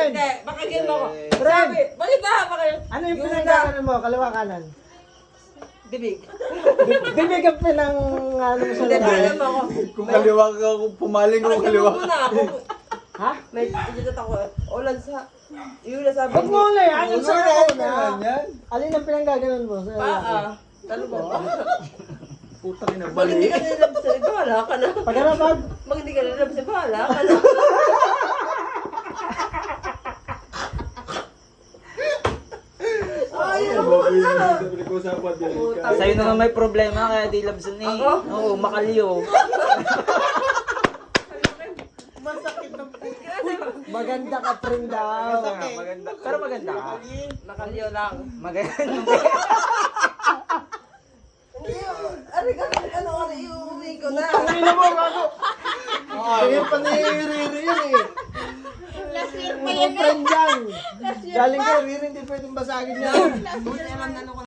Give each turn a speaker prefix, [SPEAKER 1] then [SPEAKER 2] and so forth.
[SPEAKER 1] Ren!
[SPEAKER 2] Hindi, pakinggan mo ako.
[SPEAKER 1] Ren!
[SPEAKER 2] Sabi, bakit ba?
[SPEAKER 1] Ano yung pinagkakaroon mo? Kaliwa kanan?
[SPEAKER 2] Bibig.
[SPEAKER 1] Bibig ang pinang ano mo sa
[SPEAKER 2] Hindi,
[SPEAKER 1] lugar.
[SPEAKER 2] alam mo ako.
[SPEAKER 3] Kung kaliwa ka, kung pumaling ako
[SPEAKER 2] Pakinggan
[SPEAKER 3] kaliwa
[SPEAKER 2] mo muna ako.
[SPEAKER 1] Ha?
[SPEAKER 2] May iditot ako. Ulan sa... Yung nasabi
[SPEAKER 1] Huwag mo na yan. Yung sa
[SPEAKER 3] Ano
[SPEAKER 1] ako
[SPEAKER 3] na
[SPEAKER 1] na.
[SPEAKER 3] yan?
[SPEAKER 1] Alin ang pinanggaganon mo? Sa
[SPEAKER 2] Paa. Ano ba?
[SPEAKER 3] Putang ina,
[SPEAKER 2] Pag hindi
[SPEAKER 3] bali.
[SPEAKER 2] ka nilabsan, bahala ka na.
[SPEAKER 1] Pagkarapag.
[SPEAKER 2] Pag hindi ka nilabsan, bahala ka na.
[SPEAKER 4] Sa'yo naman may problema kaya di labsan eh.
[SPEAKER 2] Ako?
[SPEAKER 4] Oo, makaliyo.
[SPEAKER 1] Maganda ka pring daw.
[SPEAKER 4] Maganda. Pero maganda ka.
[SPEAKER 2] Nakaliyo lang.
[SPEAKER 4] Maganda.
[SPEAKER 2] Ano, iuwi ko na.
[SPEAKER 1] Ano mo, bago? Ganyan pa na yung riri yun eh. Mga friend yan. Galing ka, riri, hindi pwedeng basagin yan.